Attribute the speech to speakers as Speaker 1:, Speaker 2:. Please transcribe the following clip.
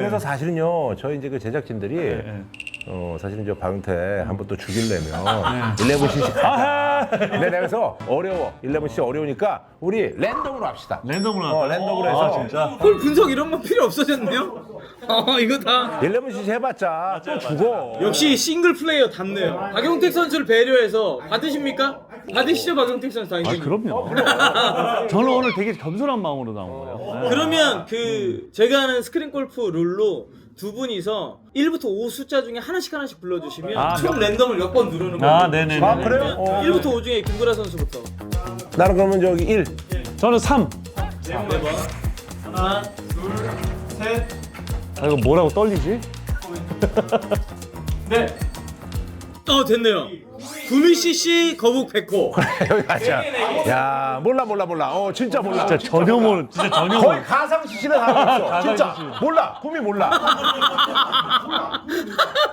Speaker 1: 그래서 사실은요, 저희 이제 그 제작진들이
Speaker 2: 네.
Speaker 1: 사실은 저 박용태 한번 또 죽이려면 11cc 가자. 근데 내가 그래서 어려워. 11cc 어려우니까 우리 랜덤으로 합시다.
Speaker 2: 랜덤으로 할까요?
Speaker 1: 랜덤으로 해서.
Speaker 2: 진짜?
Speaker 3: 홀 분석 이런 건 필요 없어졌네요. 이거 다
Speaker 1: 11cc 해봤자 또 죽어.
Speaker 3: 역시 싱글 플레이어 답네요. 박용택 선수를 배려해서 받으십니까? 받으시죠, 박용택 선수 당연히.
Speaker 2: 그럼요. 저는 오늘 되게 겸손한 마음으로 나온 거예요. 네.
Speaker 3: 그러면 그 제가 하는 스크린 골프 룰로 두 분이서 1부터 5 숫자 중에 하나씩 불러주시면 총 랜덤을 몇 번 누르는 거예요.
Speaker 2: 네네네.
Speaker 1: 아, 그래요?
Speaker 3: 1부터 5 중에 김구라 선수부터.
Speaker 1: 나는 그러면 저기 1.
Speaker 2: 저는 3.
Speaker 3: 하나, 둘, 셋,
Speaker 2: 아, 이거 뭐라고 떨리지?
Speaker 3: 넷. 됐네요. 구미CC 거북 백호.
Speaker 1: 여기 가자. 야, 몰라. 진짜 몰라.
Speaker 2: 진짜 전혀 모르. 진짜 전혀 모르.
Speaker 1: 거의 가상 CC는 하고 있어. 진짜 몰라. 꿈이 몰라.